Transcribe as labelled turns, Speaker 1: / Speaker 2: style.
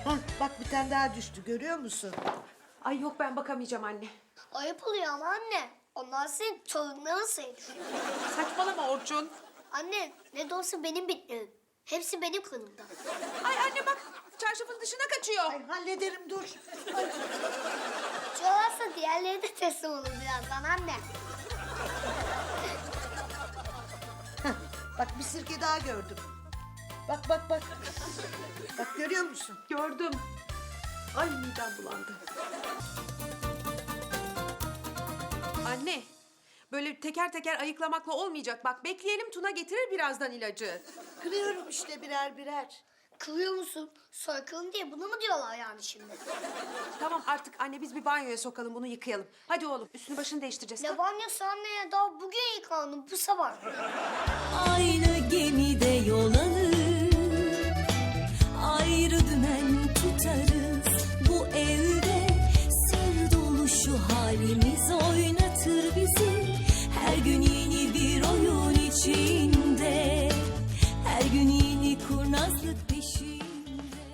Speaker 1: Hah, bak bir tane daha düştü, görüyor musun?
Speaker 2: Ay yok, ben bakamayacağım anne.
Speaker 3: Ayıp oluyor ama anne. Onlar senin torunların sayılır.
Speaker 2: Saçmalama Orçun.
Speaker 3: Anne ne de olsa benim bitlerim. Hepsi benim kanımda.
Speaker 2: Ay anne bak, çarşafın dışına kaçıyor.
Speaker 1: Ay hallederim, dur.
Speaker 3: Çoğalsa diğerleri de teslim olur birazdan anne.
Speaker 1: Hah, bak bir sirke daha gördüm. Bak bak bak. Bak görüyor musun?
Speaker 2: Gördüm. Ay midem bulandı. Anne, böyle teker teker ayıklamakla olmayacak. Bak bekleyelim, Tuna getirir birazdan ilacı.
Speaker 1: Kırıyorum işte birer birer.
Speaker 3: Kılıyor musun? Soykırım diye bunu mu diyorlar yani şimdi?
Speaker 2: Tamam artık anne, biz bir banyoya sokalım, bunu yıkayalım. Hadi oğlum, üstünü başını değiştireceğiz.
Speaker 3: Ne banyosu anne ya? Daha bugün yıkandım bu sabah.
Speaker 4: Aynı gemide yol alır.